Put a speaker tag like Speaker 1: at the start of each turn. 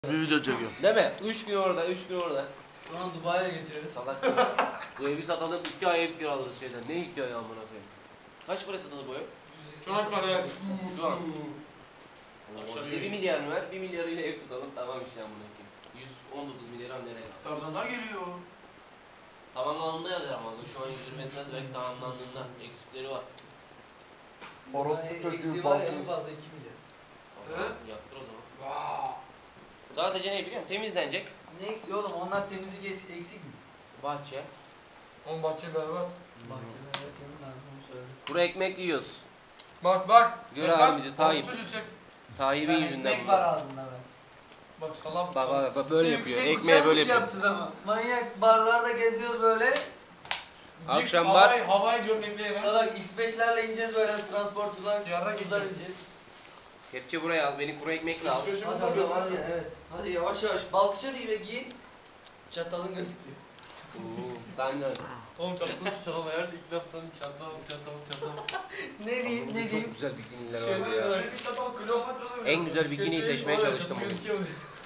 Speaker 1: Bir video çekiyorum.
Speaker 2: Değil mi? 3 gün orada, 3 gün orada.
Speaker 3: Şu an Dubai'ye geçeriz.
Speaker 2: Salak ya. Bu evi satalım, 2 ay ev kiralarız şeyden. Ne 2 ay amına koyayım? Kaç para satılır bu ev?
Speaker 4: Çanakkale.
Speaker 2: Şu an. Bize 1 milyar mı ver? 1 milyarıyla ev tutalım, tamam işte amına koyayım. 119 milyar nereye kalsın?
Speaker 4: Tarzanlar geliyor.
Speaker 2: Tamamlandığında yazar ama şu an 120 etmez belki tamamlandığında eksikleri var.
Speaker 1: Orospu çocuğu
Speaker 3: Eksiği var ya, en
Speaker 1: balkız.
Speaker 3: fazla 2 milyar.
Speaker 2: Tamam, yaptır o zaman. Sadece ne biliyor musun? Temizlenecek.
Speaker 3: Ne eksiği oğlum? Onlar temizlik eksik mi?
Speaker 2: Bahçe.
Speaker 4: On bahçe berbat.
Speaker 3: Bahçeler evet canım, ben bunu söyledim.
Speaker 2: Kuru ekmek yiyoruz.
Speaker 4: Bak.
Speaker 2: Gör
Speaker 4: Çek
Speaker 2: abi
Speaker 4: lan.
Speaker 2: bizi, Tayyip.
Speaker 4: Orospu çocuk çek.
Speaker 2: Tayyip'in yüzünden
Speaker 3: Ekmek
Speaker 2: bu.
Speaker 3: var ağzında ben.
Speaker 4: Bak salam.
Speaker 2: Bak böyle yapıyor.
Speaker 3: Yüksek
Speaker 2: Ekmeği böyle
Speaker 3: uçakmış
Speaker 2: yapıyor.
Speaker 3: yapacağız ama. Manyak barlarda geziyoruz böyle.
Speaker 2: Akşam bar.
Speaker 4: Havai gömlekli yere.
Speaker 3: Salak X5'lerle ineceğiz böyle, transportlar,
Speaker 4: Yarrak
Speaker 3: kızlar
Speaker 4: ineceğiz.
Speaker 3: ineceğiz.
Speaker 2: Kepçe buraya al, beni kuru ekmekle al.
Speaker 3: Hadi orada var ya, evet. Hadi yavaş yavaş. Balkıça değil ve giyin. Çatalın gözüküyor.
Speaker 2: Ben de.
Speaker 4: Oğlum çatal şu çatal ayarlı ilk laftan çatal.
Speaker 3: Ne diyeyim, ne
Speaker 2: Çok
Speaker 3: diyeyim?
Speaker 2: güzel bikiniler
Speaker 4: Şey
Speaker 2: var ya.
Speaker 4: diyorlar. Bir çatal Kleopatra'da
Speaker 2: En güzel bikiniyi seçmeye çalıştım bugün.
Speaker 4: Gözüküyor.